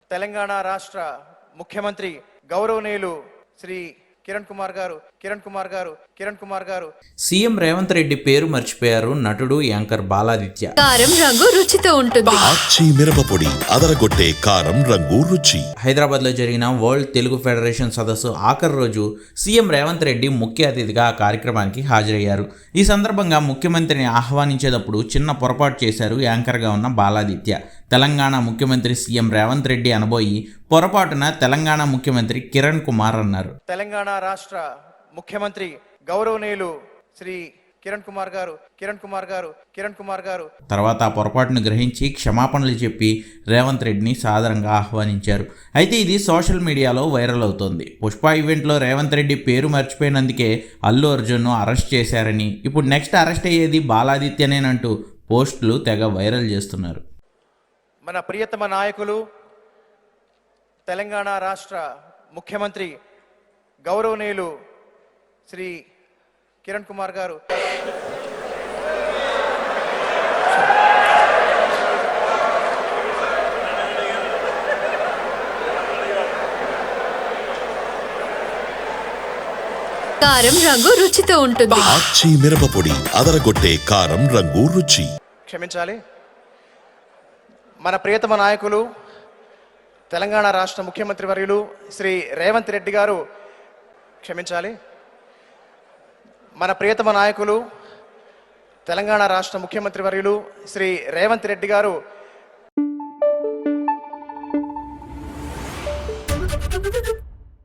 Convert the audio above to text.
తెలంగాణ రాష్ట్ర ముఖ్యమంత్రి గౌరవనీయులు శ్రీ కిరణ్ కుమార్ గారు సీఎం రేవంత్ రెడ్డి పేరు మర్చిపోయారు నటుడు యాంకర్ బాలాదిత్య. కారం రంగు రుచితో ఉంటుంది. ఆచి మిరపపొడి అదరగొట్టే కారం రంగు రుచి. హైదరాబాద్ లో జరిగిన వరల్డ్ తెలుగు ఫెడరేషన్ సదస్సు ఆఖరి రోజు సీఎం రేవంత్ రెడ్డి ముఖ్య అతిథిగా ఆ కార్యక్రమానికి హాజరయ్యారు. ఈ సందర్భంగా ముఖ్యమంత్రిని ఆహ్వానించేటప్పుడు చిన్న పొరపాటు చేశారు యాంకర్గా ఉన్న బాలాదిత్య. తెలంగాణ ముఖ్యమంత్రి సీఎం రేవంత్ రెడ్డి అనబోయి పొరపాటున తెలంగాణ ముఖ్యమంత్రి కిరణ్ కుమార్ అన్నారు. తెలంగాణ రాష్ట్ర ముఖ్యమంత్రి గౌరవనీయులు శ్రీ కిరణ్ కుమార్ గారు తర్వాత ఆ పొరపాటును గ్రహించి క్షమాపణలు చెప్పి రేవంత్ రెడ్డిని సాదరంగా ఆహ్వానించారు. అయితే ఇది సోషల్ మీడియాలో వైరల్ అవుతోంది. పుష్ప ఈవెంట్లో రేవంత్ రెడ్డి పేరు మర్చిపోయినందుకే అల్లు అర్జున్ను అరెస్ట్ చేశారని, ఇప్పుడు నెక్స్ట్ అరెస్ట్ అయ్యేది బాలాదిత్యనేనంటూ పోస్టులు తెగ వైరల్ చేస్తున్నారు. మన ప్రియతమ నాయకులు తెలంగాణ రాష్ట్ర ముఖ్యమంత్రి గౌరవనీయులు శ్రీ కిరణ్ కుమార్ గారు కారం రంగు రుచితో ఉంటుంది. ఆచి మిరపపొడి అదరగొట్టే కారం రంగు రుచి. క్షమించాలి. మన ప్రియతమ నాయకులు తెలంగాణ రాష్ట్ర ముఖ్యమంత్రి వర్యులు శ్రీ రేవంత్ రెడ్డి గారు మన ప్రియతమ నాయకులు తెలంగాణ రాష్ట్ర ముఖ్యమంత్రి వర్యులు శ్రీ రేవంత్ రెడ్డి గారు